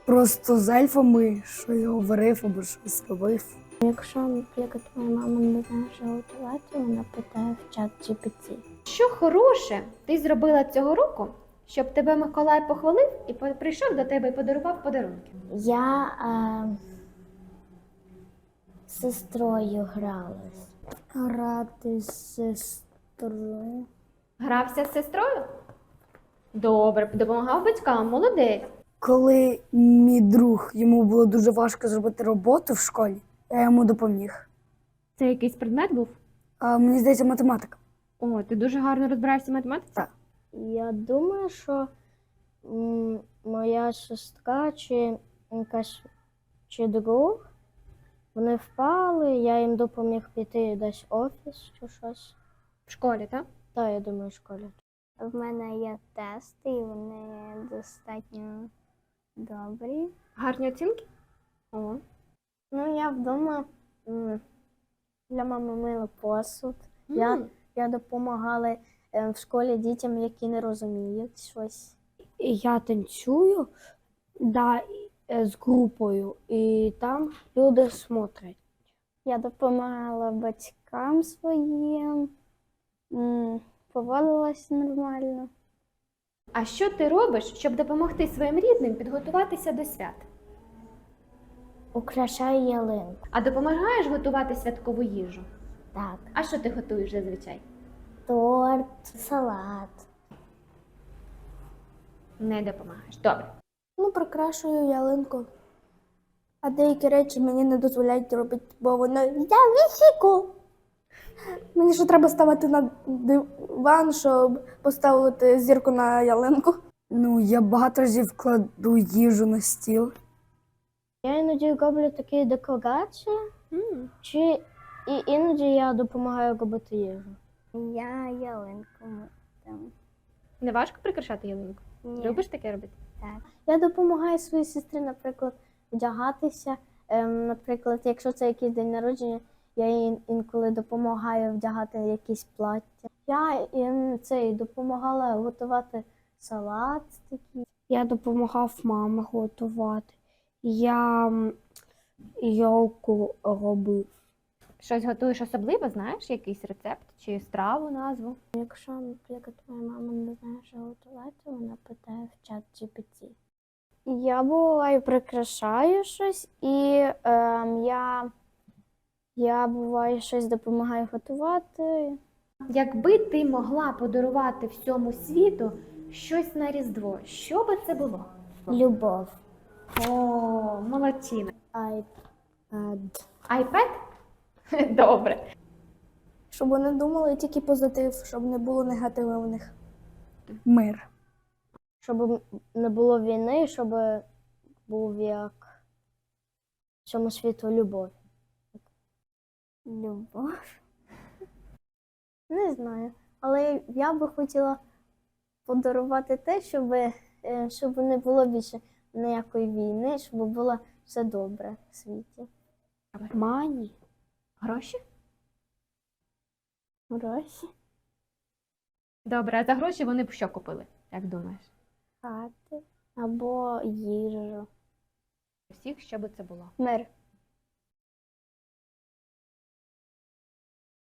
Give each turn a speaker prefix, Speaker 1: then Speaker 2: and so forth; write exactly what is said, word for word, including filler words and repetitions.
Speaker 1: Просто з ельфами щось говорив або щось робив.
Speaker 2: Якщо, наприклад, моя мама не знає, що готувати, вона питає в чат джі пі ті.
Speaker 3: Що хороше ти зробила цього року, щоб тебе Миколай похвалив і по- прийшов до тебе і подарував подарунки?
Speaker 2: Я е, з сестрою гралась. Грати з сестрою.
Speaker 3: Грався з сестрою? Добре, допомагав батькам, молодець.
Speaker 1: Коли мій друг, йому було дуже важко зробити роботу в школі, я йому допоміг.
Speaker 3: Це якийсь предмет був?
Speaker 1: А мені здається, математика.
Speaker 3: О, ти дуже гарно розбираєшся в математиці?
Speaker 1: Так.
Speaker 2: Я думаю, що м, моя сестра чи якась чи друг, вони впали, я їм допоміг піти десь в офіс чи щось.
Speaker 3: В школі, так?
Speaker 2: Так, я думаю, в школі. В мене є тести, і вони достатньо добрі.
Speaker 3: Гарні оцінки? О.
Speaker 2: Ну, я вдома м, для мами мила посуд. Я,
Speaker 3: М.
Speaker 2: я допомагала е, в школі дітям, які не розуміють щось.
Speaker 4: Я танцюю, да, е, з групою, і там люди смотрять.
Speaker 2: Я допомагала батькам своїм, м, поводилась нормально.
Speaker 3: А що ти робиш, щоб допомогти своїм рідним підготуватися до свят?
Speaker 2: Украшаю ялинку.
Speaker 3: А допомагаєш готувати святкову їжу?
Speaker 2: Так.
Speaker 3: А що ти готуєш зазвичай?
Speaker 2: Торт, салат.
Speaker 3: Не допомагаєш. Добре.
Speaker 4: Ну, прикрашую ялинку. А деякі речі мені не дозволяють робити, бо воно я вісіку. Мені ще треба ставити на диван, щоб поставити зірку на ялинку.
Speaker 1: Ну, я багато разів кладу їжу на стіл.
Speaker 2: Я іноді роблю такі декорації,
Speaker 3: М.
Speaker 2: чи і іноді я допомагаю робити їжу. Я ялинку там.
Speaker 3: Не важко прикрашати ялинку? Любиш таке робити?
Speaker 2: Так. Я допомагаю своїй сестрі, наприклад, вдягатися. Ем, наприклад, якщо це якийсь день народження, я їй інколи допомагаю вдягати якісь плаття. Я їм цей допомагала готувати салат такий.
Speaker 4: Я допомагав мамі готувати. Я м, йолку робив.
Speaker 3: Щось готуєш особливо, знаєш, якийсь рецепт чи страву, назву?
Speaker 2: Якщо, наприклад, моя мама не знає, що готувати, вона питає в чат джі пі ті. Я буваю прикрашаю щось, і ем, я, я буваю щось допомагаю готувати.
Speaker 3: Якби ти могла подарувати всьому світу щось на Різдво, що би це було?
Speaker 2: Любов.
Speaker 3: О, молодчина.
Speaker 2: iPad.
Speaker 3: Айпед? Добре.
Speaker 4: Щоб вони думали тільки позитив, щоб не було негативу в них.
Speaker 1: Мир.
Speaker 2: Щоб не було війни, щоб був як всьому світу любов. Любов? Не знаю. Але я би хотіла подарувати те, щоб, е, щоб не було більше ніякої війни, щоб було все добре в світі.
Speaker 4: Мані.
Speaker 3: Гроші?
Speaker 2: Гроші,
Speaker 3: Добре, а за гроші вони б що купили, як думаєш?
Speaker 2: хати або їжу.
Speaker 3: Всіх, що би це було?
Speaker 2: Мир.